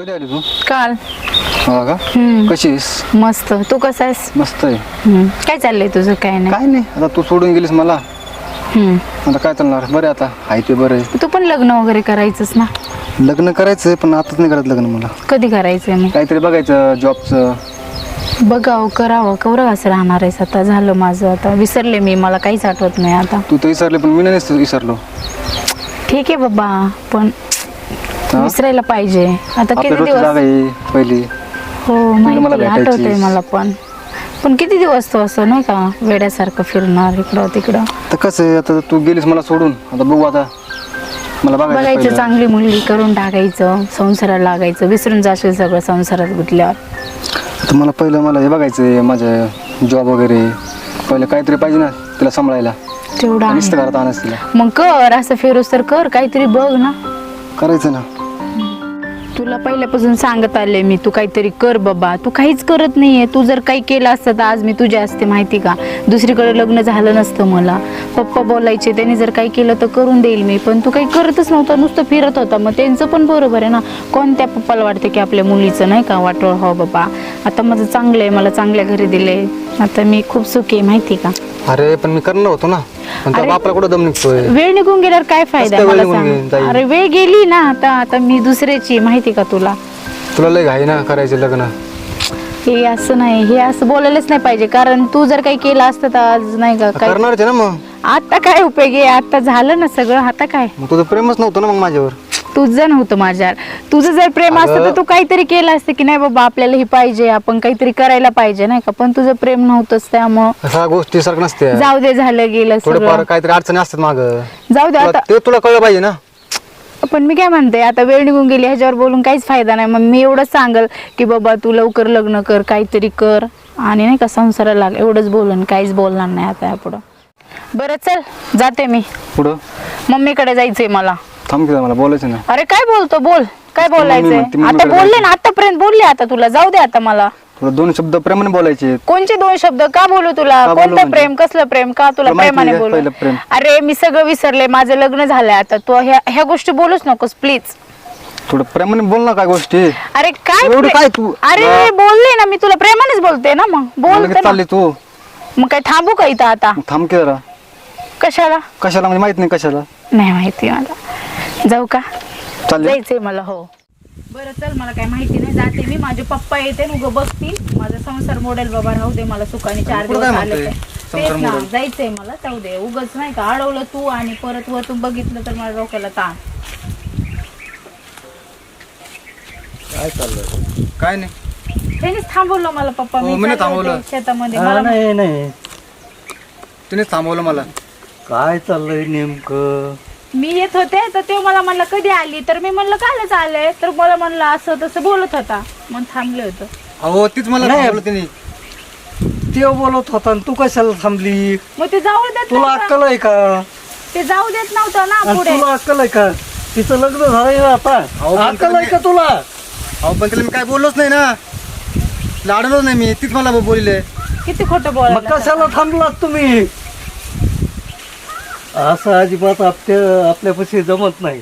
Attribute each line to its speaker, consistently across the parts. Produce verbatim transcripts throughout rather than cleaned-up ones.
Speaker 1: कधी आली तू?
Speaker 2: काल.
Speaker 1: हो का?
Speaker 2: हम्म.
Speaker 1: कशी आहेस?
Speaker 2: मस्त. तू कसा आहेस?
Speaker 1: मस्त आहे.
Speaker 2: हम्म. काय चाललंय तुझं? काय नाही.
Speaker 1: काय नाही, आता तू सोडून गेलीस मला.
Speaker 2: हम्म.
Speaker 1: आता काय चालणार? बरं आता आहे ते बरं आहे.
Speaker 2: तू पण लग्न वगैरे करायचंच ना?
Speaker 1: लग्न करायचंय पण आताच नाही करत लग्न मला.
Speaker 2: कधी करायचंय मग?
Speaker 1: काहीतरी बघायचं जॉबचं.
Speaker 2: बघावं करावं. कवरं असं राहणार आहेस आता? झालं माझं आता. विसरले मी, मला काहीच आठवत नाही आता.
Speaker 1: तू तर विसरले पण मी नाही विसरलो.
Speaker 2: ठीक आहे बाबा, पण
Speaker 1: हा?
Speaker 2: विसरायला पाहिजे आता.
Speaker 1: आपल्या
Speaker 2: किती
Speaker 1: रोजची
Speaker 2: दिवस?
Speaker 1: जागा आहे पहिली.
Speaker 2: हो
Speaker 1: मला
Speaker 2: माहिती,
Speaker 1: भेटायचीस.
Speaker 2: आठवतंय मला पण. पण किती दिवस तो असं नाही का वेड्यासारखं फिरणार इकडं तिकडं?
Speaker 1: तर कसं आहे, आता तू गेलीस मला सोडून, आता बघू आता. मला बघायचं
Speaker 2: बघायचं
Speaker 1: पहिलं.
Speaker 2: चांगली मुलगी करून टाकायचं, संसाराला लागायचं, विसरून जाशील सगळं संसारात गुंतल्यावर.
Speaker 1: आता मला पहिलं मला हे बघायचं आहे, माझं जॉब वगैरे. पहिलं काहीतरी पाहिजे ना तिला सांभाळायला.
Speaker 2: तेवढं
Speaker 1: नुसतं
Speaker 2: आहे.
Speaker 1: घरात आणायचं तिला.
Speaker 2: मग कर असं फिरूस तर कर, काहीतरी बघ ना.
Speaker 1: करायचं ना.
Speaker 2: तुला पहिल्यापासून सांगत आले मी, तू काहीतरी कर बाबा. तू काहीच करत नाहीये. तू जर काही केलं असतं तर आज मी तुझ्या असते, माहिती का? दुसरीकडे लग्न झालं नसतं मला. पप्पा बोलायचे, त्यांनी जर काही केलं तर करून देईल मी, पण तू काही करतच नव्हता, नुसतं फिरत होता. मग त्यांचं पण बरोबर आहे ना. कोणत्या पप्पाला वाटतं की आपल्या मुलीचं नाही का वाटोळ हो बाबा. आता माझं चांगलं आहे, मला चांगल्या घरी दिले, आता मी खूप सुखी आहे, माहिती का?
Speaker 1: अरे पण मी करणार होतो ना. पण त्या
Speaker 2: अरे,
Speaker 1: बापला कुठं दम निघतोय?
Speaker 2: वेळ निघून गेल्यावर काय फायदा
Speaker 1: कसं काय
Speaker 2: मला
Speaker 1: वेळ निघून
Speaker 2: सांग?
Speaker 1: जाईल?
Speaker 2: अरे वेळ गेली ना आता. आता मी दुसऱ्याची, माहिती का तुला?
Speaker 1: तुला लय घाई ना करायचे लग्न.
Speaker 2: हे असं नाही, हे असं बोलायलाच नाही पाहिजे. कारण तू जर काही केलं असतं तर आज नाही का काय.
Speaker 1: करणारच आहे ना मग.
Speaker 2: आता काय उपयोग आहे? आता झालं ना सगळं, आता काय?
Speaker 1: मग तुझं प्रेमच नव्हतं ना मग माझ्यावर.
Speaker 2: तुझं नव्हतं माझ्यावर. तुझं जर प्रेम असतं तर तू काहीतरी केलं असतं की नाही बाबा आपल्याला हे पाहिजे, आपण काहीतरी करायला पाहिजे नाही का. पण तुझं प्रेम नव्हतंच, त्यामुळं
Speaker 1: ह्या गोष्टी सारखं नसते.
Speaker 2: जाऊ दे, झालं गेलं
Speaker 1: थोडंफार
Speaker 2: सगळं.
Speaker 1: काहीतरी अडचणी असतात माग.
Speaker 2: जाऊ दे आता.
Speaker 1: ते तुला कळलं पाहिजे ना.
Speaker 2: पण मी काय म्हणते, आता वेळ निघून गेली, ह्याच्यावर बोलून काहीच फायदा नाही. मग मी एवढंच सांगल की बाबा तू लवकर लग्न कर, काहीतरी कर आणि नाही का संसाराला लाग, एवढंच बोलन, काहीच बोलणार नाही आता यापुढं. बरं चल, जाते मी.
Speaker 1: पुढं
Speaker 2: मम्मीकडे जायचंय मला.
Speaker 1: थांब की मला बोलायचं ना.
Speaker 2: अरे काय बोलतो, बोल. काय बोलायचंय?
Speaker 1: म्हणते,
Speaker 2: आता
Speaker 1: मम्मीकडे
Speaker 2: बोलले ना, आतापर्यंत बोलले, आता तुला जाऊ दे आता मला.
Speaker 1: तुला दोन शब्द प्रेमाने बोलायचे.
Speaker 2: कोणचे दोन शब्द? का बोलू तुला?
Speaker 1: का बोलू
Speaker 2: कोणतं
Speaker 1: म्हणजे?
Speaker 2: प्रेम, कसलं प्रेम? का तुला
Speaker 1: तुला माहिती
Speaker 2: प्रेमाने
Speaker 1: आहे
Speaker 2: बोलू?
Speaker 1: पहिलं प्रेम.
Speaker 2: अरे मी सगळं विसरले, माझं लग्न झालंय आता. तू ह्या ह्या गोष्टी बोलूच नकोस प्लीज.
Speaker 1: थोडं प्रेमाने बोल ना काय गोष्टी.
Speaker 2: अरे काय
Speaker 1: एवढं
Speaker 2: प्रे-
Speaker 1: काय तू?
Speaker 2: अरे मी बोलले ना, मी तुला प्रेमानेच बोलते ना. मग बोल
Speaker 1: लगेच
Speaker 2: तर ना.
Speaker 1: चालली तू.
Speaker 2: मग काय थांबू का इथं आता?
Speaker 1: मग थांब की जरा.
Speaker 2: कशाला?
Speaker 1: कशाला म्हणजे माहित नाही कशाला.
Speaker 2: नाही माहिती मला. जाऊ का?
Speaker 1: चालले.
Speaker 2: जायचंय मला. हो बरं चल, मला काय माहिती नाही, जाते मी. माझे पप्पा येते उगं बघतील, माझा संसार मोडेल बाबा. राहू दे मला सुखाने, चार
Speaker 1: पुढं
Speaker 2: दिवस
Speaker 1: काय
Speaker 2: आले
Speaker 1: म्हणतोय?
Speaker 2: तर.
Speaker 1: संसार
Speaker 2: तेच ना,
Speaker 1: मोडेल.
Speaker 2: जायचंय मला. जाऊ दे, उगच नाही का अडवलं तू आणि परत वर तू बघितलं तर मला डोक्याला ताण.
Speaker 1: काय चाललंय? काय नाही.
Speaker 2: त्यांनीच थांबवलं मला पप्पा.
Speaker 1: हो,
Speaker 2: मी
Speaker 1: मी नाही
Speaker 2: चालले होते
Speaker 1: थांबवलं.
Speaker 2: शेतामध्ये.
Speaker 3: हा,
Speaker 2: मला
Speaker 3: नाही नाही
Speaker 1: तिनेच थांबवलं मला.
Speaker 3: काय चाललंय नेमकं?
Speaker 2: मी येत होते तर ते मला म्हणलं कधी आली, तर मी म्हणलं कालच आले. तर मला म्हणलं असं तसं बोलत होता, मग थांबले होतं.
Speaker 1: अहो तीच मला
Speaker 3: नाही.
Speaker 1: थांबवलं तिने.
Speaker 3: ते बोलत होता आणि तू कशाला थांबली?
Speaker 2: मग ते जाऊ देत
Speaker 3: तुला
Speaker 2: नव्हतं.
Speaker 3: अक्कल आहे का?
Speaker 2: ते जाऊ देत नव्हतं ना
Speaker 3: आणि
Speaker 2: पुढे.
Speaker 3: तुला अक्कल आहे का? तिचं लग्न झालंय ना आता.
Speaker 1: अहो, पण
Speaker 3: अक्कल आहे का तुला?
Speaker 1: अहो पण तिला मी काय बोललोच नाही ना. लाडलोच नाही मी. तीच मला बोलले.
Speaker 2: किती खोटं
Speaker 3: मग
Speaker 2: बोलायला.
Speaker 3: कशाला थांबलात तुम्ही? असं अजिबात आपल्या आपल्यापाशी जमत नाही.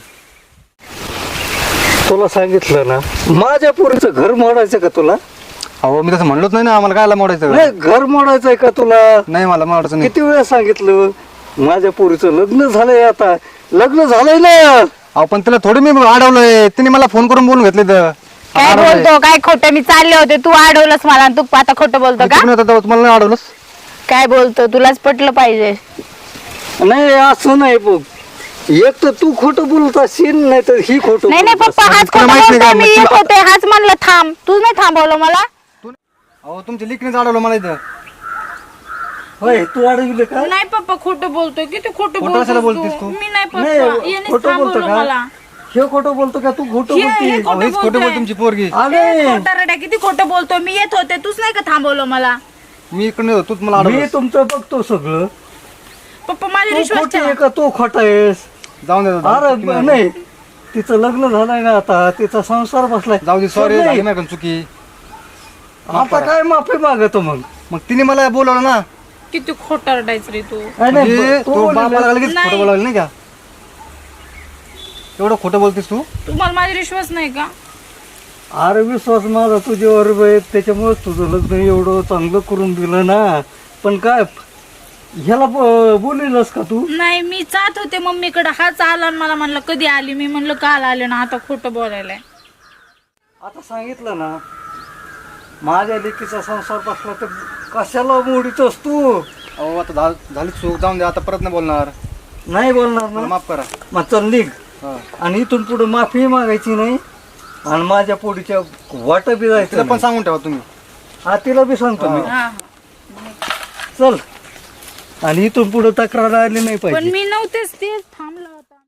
Speaker 3: तुला सांगितलं ना, माझ्या पोरीचं घर मोडायचं का तुला?
Speaker 1: अहो मी तसं म्हणलोच नाही ना. आम्हाला कायला मोडायचं?
Speaker 3: नाही, घर मोडायचंय का तुला?
Speaker 1: नाही मला मोडायचं नाही.
Speaker 3: किती वेळा सांगितलं? माझ्या पोरीचं लग्न झालंय आता. लग्न झालंय ना.
Speaker 1: अहो पण तिला थोडी मी अडवलंय. तिने मला फोन करून बोलून घेतले तर.
Speaker 2: काय बोलतो? काय खोटं? मी चालले होते, तू अडवलंस मला आणि तू आता खोटं बोलतो का?
Speaker 1: तुम्हाला नाही अडवलंस?
Speaker 2: काय बोलतो? तुलाच पटलं पाहिजे.
Speaker 3: नाही असं नाही बघ. एक तर तू खोटं बोलत असशील, नाही तर ही खोटं
Speaker 2: नाही नाही
Speaker 3: बोलत
Speaker 2: पप्पा, हाच
Speaker 1: तुला
Speaker 2: खोटं
Speaker 1: माहित नाही
Speaker 2: बोलतोय.
Speaker 1: का?
Speaker 2: मी
Speaker 1: मग
Speaker 2: येत
Speaker 1: तुला-
Speaker 2: होते, हाच म्हणलं थांब. तू नाही थांबवलं मला.
Speaker 1: अहो तुमच्या लिखणीच अडवलं मला इथं.
Speaker 3: होय, तू अडविलं का?
Speaker 2: नाही पप्पा, खोटं बोलतोय. किती खोटं
Speaker 1: खोटं कशाला
Speaker 2: बोलतोस
Speaker 1: बोलतेस
Speaker 2: तू?
Speaker 1: तू?
Speaker 2: मी नाही
Speaker 3: नाही,
Speaker 2: पप्पा, यानेच
Speaker 3: खोटं बोलतो
Speaker 2: थांबवलं
Speaker 3: का?
Speaker 2: मला.
Speaker 3: हे खोटं बोलतो का? तू खोटं
Speaker 2: हे- हे
Speaker 3: बोलती?
Speaker 2: खोटं
Speaker 1: अहो, हेच खोटं
Speaker 2: बोलतोय.
Speaker 1: बोल तुमची पोरगी.
Speaker 3: अरे
Speaker 2: खोटं रड्या, किती खोटं बोलतोय. मी येत होते, तूच नाही का थांबवलं मला.
Speaker 1: मी इकडे होतो, तूच मला
Speaker 3: मी
Speaker 1: अडवलं.
Speaker 3: तुमचं बघतो सगळं.
Speaker 2: पप्पा माझा
Speaker 3: तू
Speaker 2: विश्वास
Speaker 3: खोटी
Speaker 2: ठेवा.
Speaker 3: आहे का तू खोटा आहेस?
Speaker 1: जाऊन दे दादा.
Speaker 3: अरे
Speaker 1: चुकी माझी.
Speaker 3: नाही, तिचं लग्न झालंय ना आता. तिचा संसार बसलाय.
Speaker 1: जाऊ दे. सॉरी
Speaker 3: नाही.
Speaker 1: झाली माझ्याकडून चुकी.
Speaker 3: आता काय माफी मागतो मग?
Speaker 1: मग तिने मला बोलवलं ना.
Speaker 2: किती खोटं रडायचं रे तू.
Speaker 3: नाही, नाही,
Speaker 1: म्हणजे
Speaker 3: तू
Speaker 1: तो
Speaker 3: बोललेलं-
Speaker 1: बापाला लगेच
Speaker 2: नाही.
Speaker 1: खोटं बोलावलं नाही का? एवढं खोटं बोलतेस तू?
Speaker 2: तुम्हाला माझा विश्वास नाही का?
Speaker 3: अरे विश्वास माझा तुझ्यावर आहे, त्याच्यामुळेच तुझं लग्न एवढं चांगलं करून दिलं ना. पण काय ह्याला ब- बोलेलस का तू?
Speaker 2: नाही, मी जात होते मम्मीकडे, हाच आला आणि मला म्हणलं कधी आली. मी म्हणलं काल आले ना, आता खोटं बोलायलाय.
Speaker 3: आता सांगितलं ना, माझ्या लेकीचा संसार बसला तर कशाला मोडीतोस तू?
Speaker 1: अहो आता झा- झाली चूक, जाऊन दे, आता परत नाही बोलणार.
Speaker 3: नाही बोलणार
Speaker 1: मला
Speaker 3: ना,
Speaker 1: माफ करा.
Speaker 3: मग चल निघ.
Speaker 1: हा.
Speaker 3: आणि इथून पुढे माफी मागायची नाही आणि माझ्या पोडीच्या वाट बी
Speaker 1: तिला
Speaker 3: जायचं
Speaker 1: पण
Speaker 3: नाही.
Speaker 1: सांगून ठेवा तुम्ही.
Speaker 3: हा तिला बी सांगतो मी.
Speaker 2: हा,
Speaker 3: चल. आणि इथून पुढे तक्रार आली नाही
Speaker 2: पण
Speaker 3: पाहिजे.
Speaker 2: मी नव्हतेच, तेच थांबला होता.